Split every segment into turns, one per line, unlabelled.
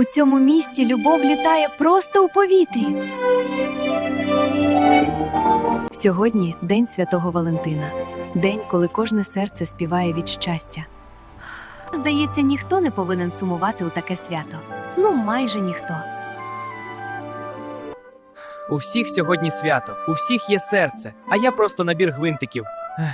У цьому місті любов літає просто у повітрі. Сьогодні День Святого Валентина. День, коли кожне серце співає від щастя. Здається, ніхто не повинен сумувати у таке свято. Ну, майже ніхто.
У всіх сьогодні свято, у всіх є серце, а я просто набір гвинтиків.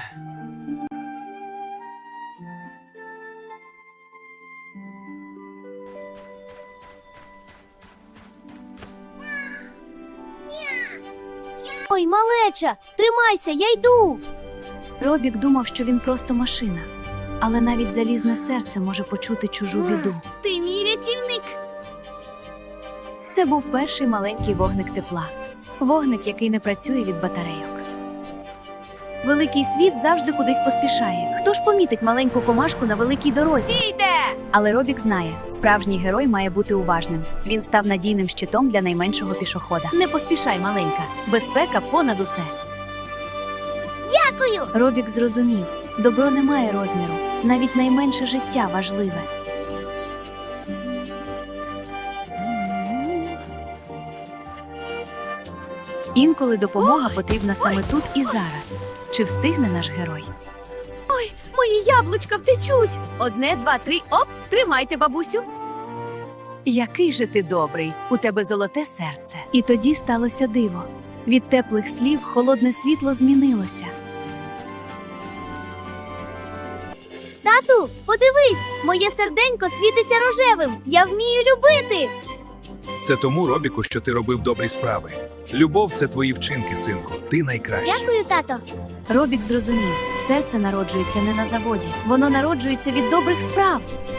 Ой, малеча, тримайся, я йду.
Робік думав, що він просто машина. Але навіть залізне серце може почути чужу біду.
Ти мій рятівник.
Це був перший маленький вогник тепла. Вогник, який не працює від батарейок. Великий світ завжди кудись поспішає. Хто ж помітить маленьку комашку на великій дорозі?
Стійте!
Але Робік знає, справжній герой має бути уважним. Він став надійним щитом для найменшого пішохода. Не поспішай, маленька. Безпека понад усе.
Дякую!
Робік зрозумів, добро не має розміру. Навіть найменше життя важливе. Інколи допомога потрібна саме тут і зараз. Чи встигне наш герой?
Мої яблучка втечуть. 1, 2, 3, оп, тримайте, бабусю.
Який же ти добрий, у тебе золоте серце. І тоді сталося диво. Від теплих слів холодне світло змінилося.
Тату, подивись, моє серденько світиться рожевим. Я вмію любити.
Це тому, Робіку, що ти робив добрі справи. Любов – це твої вчинки, синку. Ти найкращий.
Дякую, тато.
Робік зрозумів, серце народжується не на заводі. Воно народжується від добрих справ.